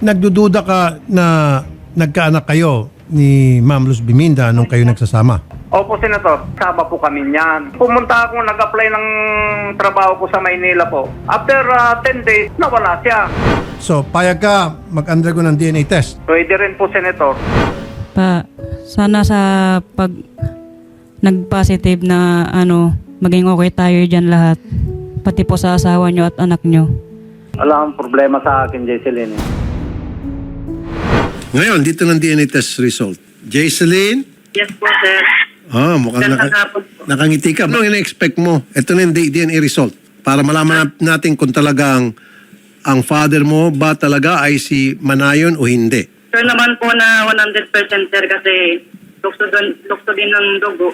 nagdududa ka na nagkaanak kayo ni Ma'am Luz Biminda nung kayo nagsasama? Opo, Senator. Sama po kami niyan. Pumunta ako, nag-apply ng trabaho ko sa Maynila po. After 10 days, nawala siya. So, payag ka mag-undergo ng DNA test? Pwede rin po, Senator. Sana sa pag nag-positive na maging okay tayo dyan lahat. Pati po sa asawa nyo at anak nyo. Wala akong problema sa akin, Jesseline. Ngayon, dito ng DNA test result. Jaiseline? Yes po, sir. Mukhang nakangiti ka. Anong ina-expect mo? Ito na yung DNA result. Para malaman natin kung talagang ang father mo ba talaga ay si Manayon o hindi. Sir naman po na 100% sir kasi lukso din ng dugo.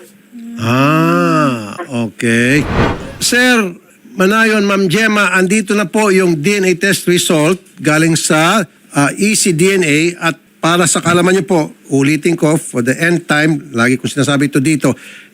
Okay. Sir Manayon, Ma'am Gemma, andito na po yung DNA test result galing sa ECDNA at para sa kalaman niyo po, ulitin ko for the end time, lagi kong sinasabi ito dito,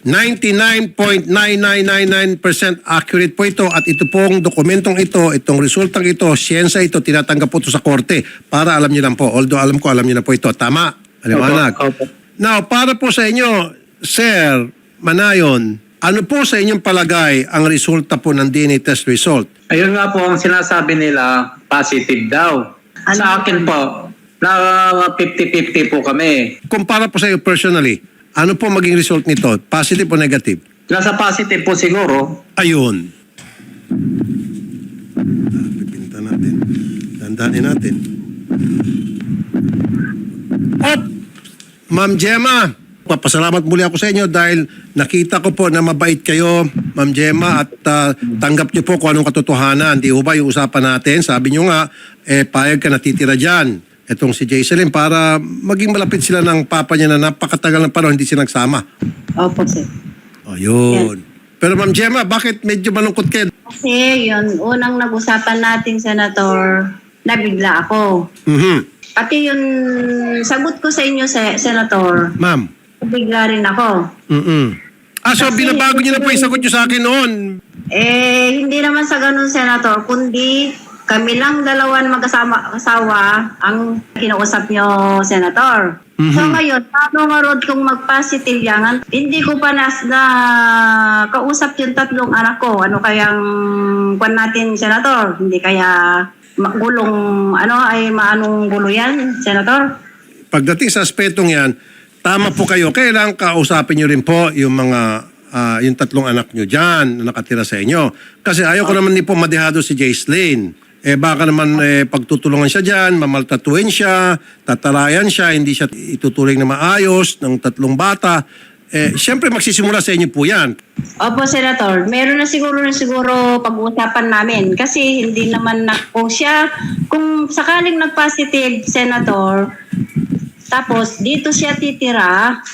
99.9999% accurate po ito at ito pong dokumentong ito, itong resultang ito, siyensya ito, tinatanggap po ito sa korte para alam niyo lang po. Although alam ko, alam niyo na po ito. Tama? Aliwanag. Now, para po sa inyo, Sir Manayon, ano po sa inyong palagay ang resulta po ng DNA test result? Ayun nga po ang sinasabi nila, positive daw. Sa akin po, na 50-50 po kami. Kumpara po sa iyo personally, ano po maging result nito? Positive o negative? Nasa positive po siguro. Ayun. Pipinta natin. Dandanin natin. Ma'am Gemma, papasalamat muli ako sa inyo dahil nakita ko po na mabait kayo, Ma'am Gemma, at tanggap niyo po kung anong katotohanan. Di ba yung usapan natin? Sabi niyo nga, payag ka natitira dyan. Etong si Jaiseline para maging malapit sila ng papa niya na napakatagal ng panahon hindi sila nagsama. Opo, sir. Ayun. Pero Ma'am Gemma, bakit medyo malungkot kayo? Kasi yun, unang nag-usapan natin, Senator, nabigla ako. Pati yung sagot ko sa inyo, Senator, Ma'am. nabigla rin ako. So Kasi binabago niyo na po yung sagot niyo sa akin noon. Hindi naman sa ganun, Senator, kundi kami lang dalawan mag-asawa ang kinausap nyo, Senator. So ngayon, paano nga Rod kung mag-positive yan? Hindi ko pa na kausap yung tatlong anak ko. Ano kayang kwan natin, Senator? Hindi kaya gulong, maanong gulo yan, Senator? Pagdating sa aspetong yan, tama po kayo. Kailangan kausapin nyo rin po yung mga yung tatlong anak nyo dyan na nakatira sa inyo. Kasi ayaw ko naman din po madehado si Jaiseline. Baka naman pagtutulungan siya dyan, mamaltatuin siya, tatarayan siya, hindi siya ituturing na maayos ng tatlong bata. Siyempre magsisimula sa inyo po yan. Opo, Senator. Meron na siguro pag-uusapan namin. Kasi hindi naman kung sakaling nag-positive, Senator, tapos dito siya titira,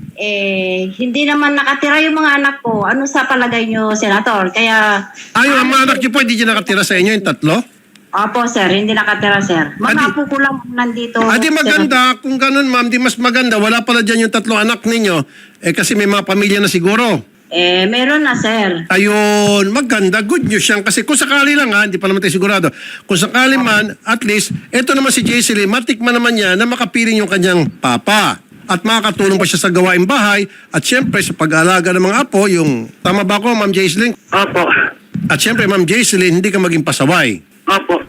hindi naman nakatira yung mga anak ko. Ano sa palagay nyo, Senator? Kaya... Yung mga anak niyo po, hindi dyan nakatira sa inyo yung tatlo? Opo, sir. Hindi nakatira, sir. Mga apo ko lang nandito. Di maganda. Kung ganun, ma'am, di mas maganda. Wala pala dyan yung tatlong anak ninyo. Kasi may mga pamilya na siguro. Meron na, sir. Ayun, maganda. Good news yan. Kasi kung sakali lang hindi pa naman tayo sigurado. Kung sakali man, at least, eto naman si Jaiseline, matikman naman niya na makapiling yung kanyang papa. At makakatulong pa siya sa gawaing bahay. At syempre, sa pag-aalaga ng mga apo, yung... Tama ba ko, Ma'am Jaiseline? Opo. At syempre, Ma'am Jaiseline, hindi ka maging pasaway. Opo.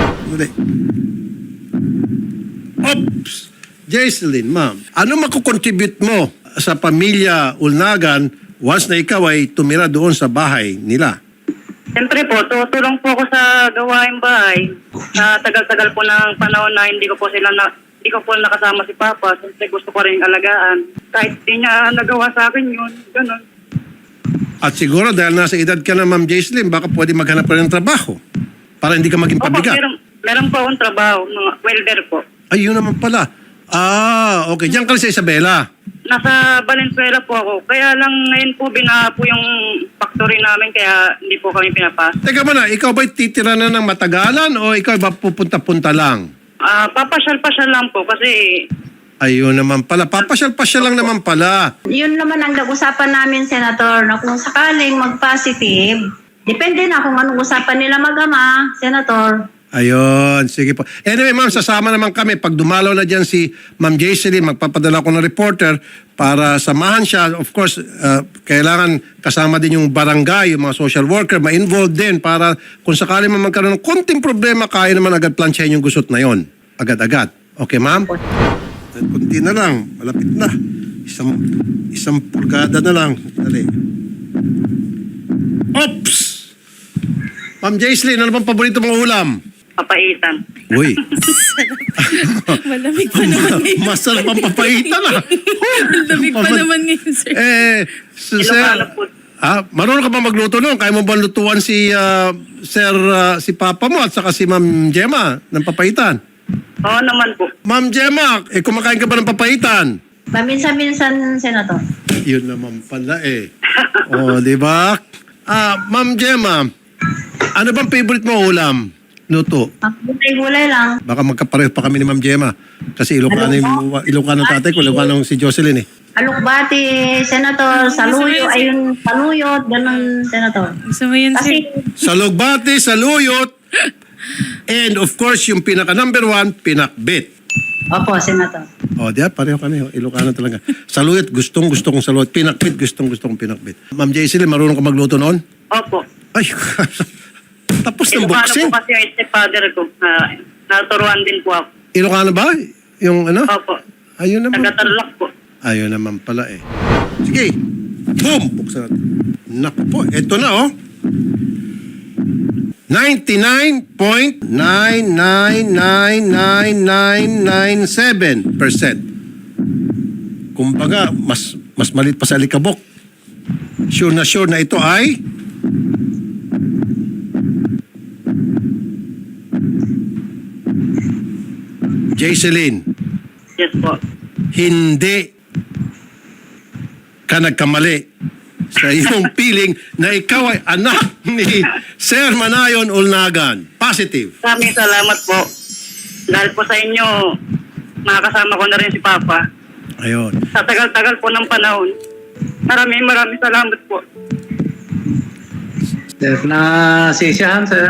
Oops! Jaiseline, ma'am, ano makukontribute mo sa pamilya Ulnagan once na ikaw ay tumira doon sa bahay nila? Siyempre po, tutulong po ako sa gawaing bahay. Sa tagal-tagal po ng panahon na hindi ko po nakasama si Papa. Siyempre gusto ko rin alagaan. Kahit di niya nagawa sa akin yun, ganun. At siguro dahil nasa edad ka na, Ma'am Jaiseline, baka pwede maghanap pa ng trabaho para hindi ka maging pabigat. Opo, meron po akong trabaho, mga welder po. Ayun naman pala. Okay. Diyan ka sa Isabela. Nasa Valenzuela po ako. Kaya lang ngayon po binaha po yung factory namin kaya hindi po kami pinapasok. Teka muna, ikaw ba'y titira na ng matagalan o ikaw ba pupunta-punta lang? Papasyal-pasyal lang po kasi... Ayun naman pala. Papasyal-pasyal lang naman pala. Yun naman ang nag-usapan namin, Senator, na kung sakaling mag-positive, depende na kung anong usapan nila mag-ama, Senator. Ayun, sige po. Anyway, ma'am, sasama naman kami. Pag dumalaw na dyan si Ma'am Jaiseline, magpapadala ko ng reporter para samahan siya. Of course, kailangan kasama din yung barangay, yung mga social worker, ma-involve din para kung sakali man magkaroon ng konting problema, kaya naman agad plansyahin yung gusot na yon. Agad-agad. Okay, ma'am? Kunti na lang. Malapit na. Isang pulgada na lang. Dali. Oops! Ma'am Jaiseline, ano bang paborito mong ulam? Papaitan. Uy. Malamig pa naman ngayon. Masarap ang papaitan ah. Malamig pa naman ngayon, sir. Sir, Ilocano po. marunong ka ba magluto nun? Kaya mo ba lutuan si si Papa mo at saka si Ma'am Gemma ng papaitan? Oo naman po. Ma'am Gemma, kumakain ka ba ng papaitan? Paminsan-minsan, Senator. Yun naman pala O, di ba? Ma'am Gemma, ano bang favorite mo ulam? Luto. Ang gulay-gulay lang. Baka magkapareho pa kami ni Ma'am Gemma. Kasi Ilocano ng tatay ko, Ilocano si Jocelyn Alukbati, Senator. Saluyo, ayun, saluyot, ganun, Senator. Gusto mo yun, Kasi, sir? Salugbati, saluyot, and of course, yung pinaka number 1, pinakbit. opo, Senator. O, diyan, pareho kami. Ilocano talaga. Saluyot, gustong-gusto kong saluyot. Pinakbit, gustong-gusto kong pinakbit. Ma'am Jaiseline, marunong ka magluto noon? Opo. Ay, tapos ng Ilocano boxing. po kasi yung stepfather ko. Naturuan din po ako. Ilocano ba? Yung ano? Opo. Ayun naman. Taga-Tarlac po. Ayun naman pala Sige. Boom! Buksan natin. Naku po, eto na 99.999997%. Kumbaga, mas malit pa sa alikabok. Sure na ito ay Jaiseline, Yes po. hindi ka nagkamali sa iyong feeling na ikaw ay anak ni Sir Manayon Ulnagan. Positive. Maraming salamat po. Dahil po sa inyo, makakasama ko na rin si Papa. Ayun. Sa tagal-tagal po ng panahon. Maraming salamat po. Sir, nasisiyahan, sir.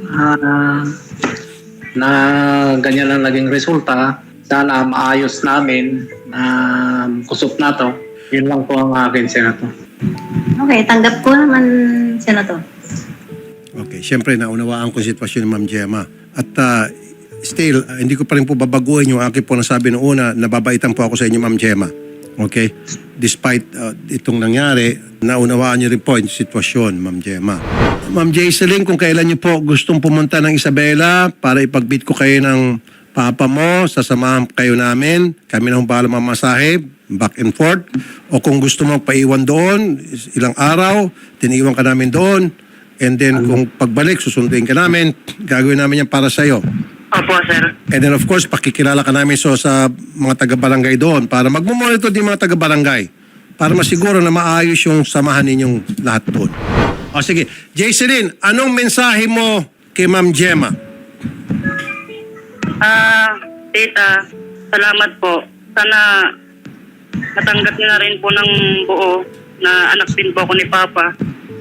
Na ganyan lang naging resulta. Sana maayos namin na kusop na to. Yun lang po ang akin, Senator. Okay, tanggap ko naman, Senator. Okay, siyempre naunawaan ko yung sitwasyon ni Ma'am Gemma. At still, hindi ko pa rin po babaguhin yung aking po nasabi noong una, nababaitan po ako sa inyo, Ma'am Gemma. Okay? Despite itong nangyari, naunawaan niyo rin po yung sitwasyon, Ma'am Gemma. Ma'am Jaiseline, kung kailan niyo po gustong pumunta ng Isabela para ipagbit ko kayo ng Papa mo, sasamahan kayo namin. Kami na bahala mamasahe, back and forth. O kung gusto mo paiwan doon, ilang araw, tiniwan ka namin doon. And then kung pagbalik, susunduin ka namin. Gagawin namin yan para sa'yo. Opo, sir. And then of course, pakikilala ka namin sa mga taga-barangay doon para magmumonitor din mga taga-barangay para masiguro na maayos yung samahan ninyong lahat doon. O sige, Jaiseline, anong mensahe mo kay Ma'am Gemma? Tita, salamat po. Sana natanggap niyo na rin po ng buo na anak din po ako ni Papa.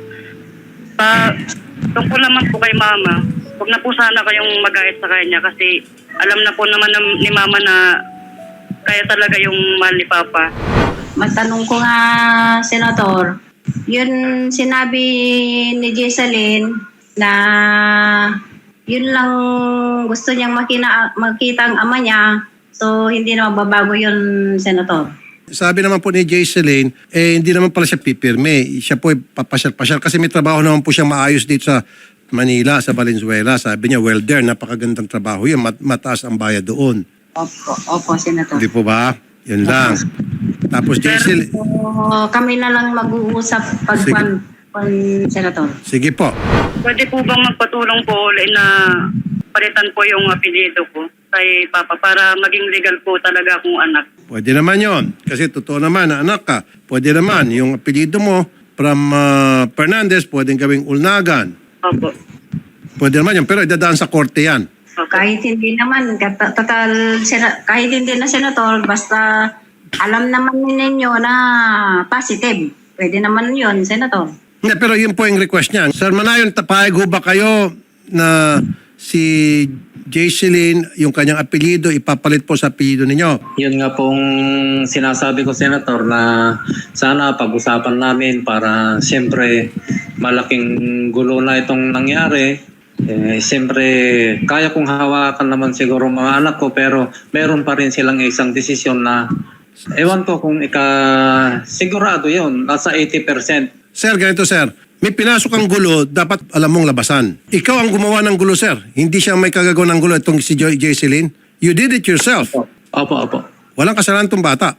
Tungkol naman po kay Mama, huwag na po sana kayong magait sa kanya kasi alam na po naman ni Mama na kaya talaga yung mahal ni Papa. Matanong ko nga, Senator, yun sinabi ni Jaiseline na yun lang gusto niyang makita ang ama niya. So, hindi na magbabago yun, Senator. Sabi naman po ni Jaiseline, hindi naman pala siya pipirme. Siya po papasyal-pasyal kasi may trabaho naman po siyang maayos dito sa Manila, sa Valenzuela. Sabi niya, welder, napakagandang trabaho yun. Mataas ang bayad doon. Opo, Senator. Hindi po ba? Yun lang. Tapos Jaiseline, So, kami na lang mag-uusap pag Senator. sige po. Pwede po bang magpatulong po ulit na palitan po yung apelyido ko kay Papa para maging legal po talaga akong anak? Pwede naman yon. Kasi totoo naman na anak ka. Pwede naman. Yung apelido mo from Fernandez, pwedeng gawing Ulnagan. Opo. Pwede naman yun. Pero idadaan sa korte yan. Kahit hindi naman, kahit hindi na, Senator, basta alam naman ninyo na positive. Pwede naman yun, Senator. Hindi, pero yun po yung request niya. Sir Manayon, pahig ho ba kayo na si Jaiseline, yung kanyang apelyido, ipapalit po sa apelyido ninyo. Yun nga pong sinasabi ko, Senator, na sana pag-usapan namin para siyempre malaking gulo na itong nangyari. Siyempre, kaya kong hawakan naman siguro mga anak ko, pero meron pa rin silang isang desisyon na ewan ko kung sigurado yun, nasa 80%. Sir, ganito sir. May pinasok ang gulo, dapat alam mong labasan. Ikaw ang gumawa ng gulo, sir. Hindi siya may kagagawa ng gulo itong si Jaiseline. You did it yourself. Opo. Walang kasalanan itong bata.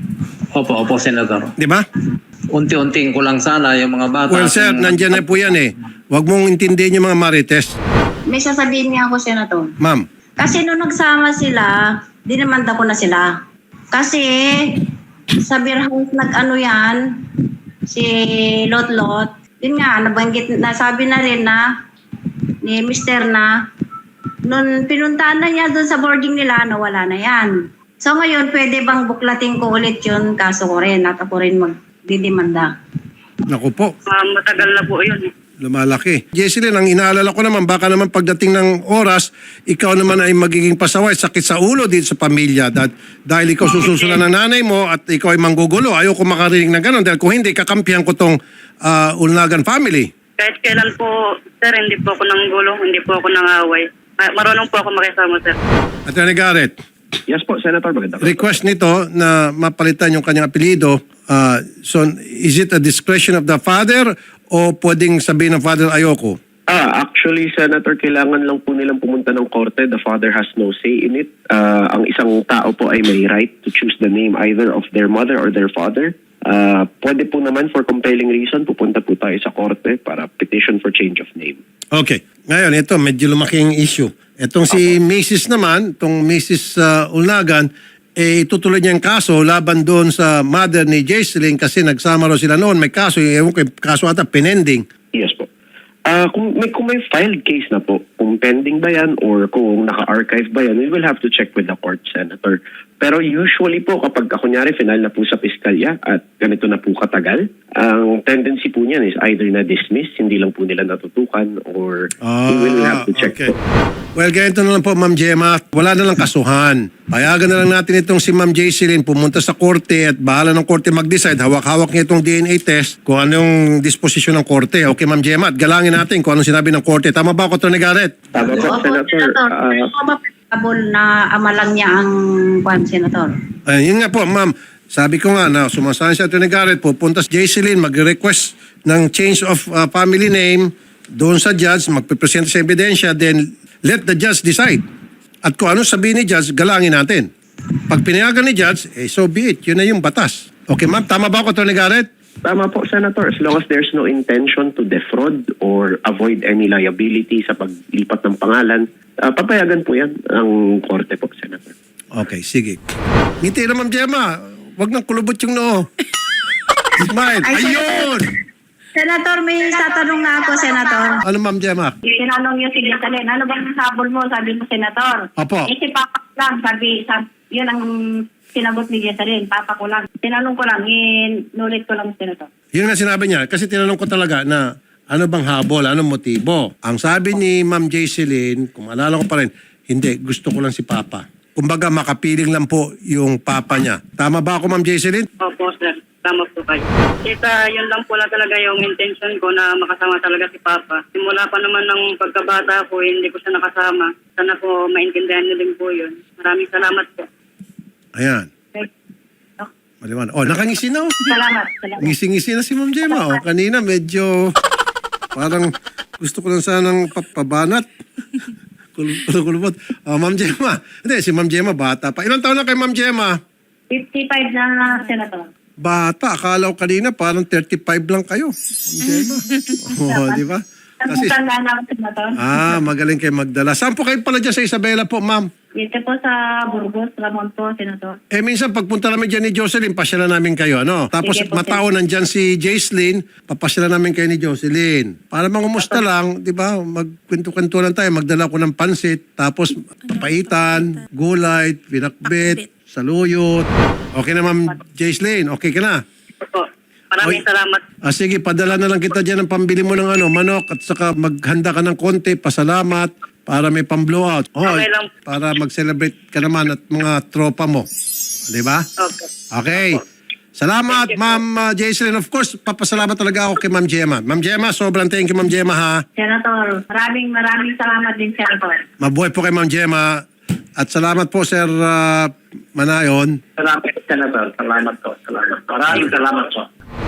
Opo, Senator. Di ba? Unti-unting ko lang sana yung mga bata. Well, sir, nandyan na po yan eh. Huwag mong intindihin yung mga marites. May sasabihin niya ako, Senator. Ma'am, Kasi nung nagsama sila, dinamanda ko na sila. Kasi sa beer house nag-ano yan, si Lot-Lot, yun nga, nabanggit, nasabi na rin na ni Mr. na nung pinuntahan na niya doon sa boarding nila, nawala na yan. So ngayon, pwede bang buklatin ko ulit yun, kaso ko rin, at ako rin magdidemanda. naku po, Matagal na po yun. lumalaki. Jaiseline, ang inaalala ko naman, baka naman pagdating ng oras, ikaw naman ay magiging pasaway, sakit sa ulo dito sa pamilya. Dahil ikaw sususulan ng nanay mo at ikaw ay manggugulo. Ayoko makarinig ng gano'n. Dahil kung hindi, kakampihan ko tong Ulnagan family. Kahit kailan po, sir, hindi po ako nanggulo, hindi po ako nangaway. Marunong po ako makisama, sir. Attorney Garrett, Yes po, Senator. Maganda po. request nito na mapalitan yung kanyang apelido. So, is it a discretion of the father o pwedeng sabihin ng father ayoko? Actually, Senator, kailangan lang po nilang pumunta ng korte. The father has no say in it. Ang isang tao po ay may right to choose the name either of their mother or their father. Pwede po naman for compelling reason, pupunta po tayo sa korte para petition for change of name. Okay. Ngayon, ito, medyo lumaki ang issue. Itong si Mrs. naman, itong Mrs. Ulnagan, itutuloy niya ang kaso laban doon sa mother ni Jaiseline kasi nagsama raw sila noon. May kaso, ewan ko, kaso ata pending. Yes po. Kung may filed case na po, kung pending ba yan or kung naka-archive ba yan, we will have to check with the court, Senator. Pero usually po, kapag kunyari final na po sa piskalya at ganito na po katagal, ang tendency po niyan is either na-dismiss, hindi lang po nila natutukan, or we will have to check okay. po. Well, ganito na lang po, Ma'am Gemma. Wala na lang kasuhan. Payagan na lang natin itong si Ma'am Jaiseline pumunta sa korte at bahala ng korte mag-decide. Hawak-hawak niya itong DNA test kung anong disposisyon ng korte. Okay, Ma'am Gemma, at galangin natin kung anong sinabi ng korte. Tama ba ako, Attorney Garrett? Tama po, Senator. Na ama lang niya ang Senator. Yun nga po, Ma'am. Sabi ko nga na sumasahan si Attorney Garrett, pupunta si Jaiseline, mag-request ng change of family name doon sa judge, magpipresent sa ebidensya, then let the judge decide. At kung ano sabihin ni judge, galangin natin. Pag pinayagan ni judge, so be it. Yun na yung batas. Okay, ma'am. Tama ba ako, Attorney Garrett? Tama po, Senator. As long as there's no intention to defraud or avoid any liability sa paglipat ng pangalan, papayagan po yan ang korte po, Senator. Okay, sige. Ngiti na, Ma'am Gemma. Huwag nang kulubot yung noo. Smile. Ayun! Senator, may tatanong na ako, Senator. Ano, Ma'am Gemma? Tinanong niyo si Jaiseline, ano bang nasabol mo? Sabi mo, Senator. Opo. Si Papa ko lang, sabi, yun ang sinagot ni Jaiseline, Papa ko lang. Tinanong ko lang, inulit ko lang, Senator. Yun nga sinabi niya. Kasi tinanong ko talaga na ano bang habol, anong motibo. Ang sabi ni Ma'am Jaiseline, kung maalala ko pa rin, hindi, gusto ko lang si Papa. Kumbaga, makapiling lang po yung Papa niya. Tama ba ako, Ma'am Jaiseline? Opo, sir. Tama po kayo. Yun lang po talaga yung intention ko na makasama talaga si Papa. Simula pa naman ng pagkabata ko, hindi ko siya nakasama. Sana po maintindihan niyo din po yun. Maraming salamat po. Ayan. Maliwan. Oh, nakangisi na. Salamat. Ngisi-ngisi na si Ma'am Gemma. Oh, kanina medyo parang gusto ko lang sanang pabanat. Kulubot. Oh, Ma'am Gemma. Hindi, si Ma'am Gemma bata pa. Ilang taon na kay Ma'am Gemma? 55 na, Senator. Bata. Akala ko kanina parang 35 lang kayo. Ma'am Gemma. Oh, di ba? Kasi, Tanda na ako, Senator. magaling kayo magdala. Saan po kayo pala dyan sa Isabela po, ma'am? Dito po sa Burgos, Ramon po, Senator. Minsan pagpunta namin dyan ni Jocelyn, pasyalan namin kayo, ano? Tapos Sige po, matao nandyan si Jaiseline, papasyalan namin kayo ni Jocelyn. Para mangumusta lang, di ba? Magkwento-kwento lang tayo, magdala ko ng pansit, tapos papaitan, gulay, pinakbit, saluyot. Okay na, ma'am Jaiseline? Okay ka na? Opo. Maraming salamat. Sige, padala na lang kita dyan ng pambili mo ng manok at saka maghanda ka ng konti, pasalamat Para may pang-blowout. Oh, Okay lang. para mag-celebrate ka naman at mga tropa mo. Di ba? Okay. Okay. Salamat, Ma'am Jaislyn. Of course, papasalamat talaga ako kay Ma'am Gemma. Ma'am Gemma, sobrang thank you, Ma'am Gemma, ha? Senator, maraming salamat din, Senator. Mabuhay po kay Ma'am Gemma. At salamat po, Sir Manayon. Salamat, Senator. Salamat po. Salamat. Maraming salamat po.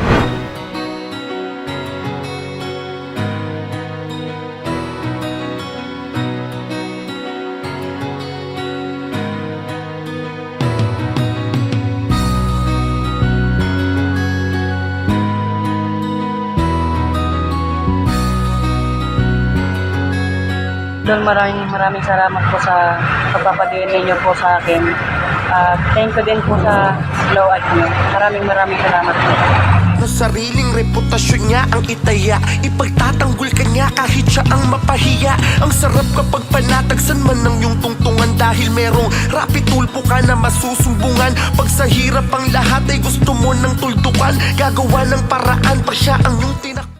Idol, maraming salamat po sa pagpapadiin ninyo po sa akin. Thank you din po sa slow at nyo. Maraming salamat po. Sa sariling reputasyon niya ang itaya, ipagtatanggol ka niya kahit siya ang mapahiya. Ang sarap kapag panatagsan man ng iyong tungtungan, dahil merong rapid tulpo ka na masusumbungan. Pag sa hirap ang lahat ay gusto mo ng tuldukan, gagawa ng paraan pa siya ang iyong tinak.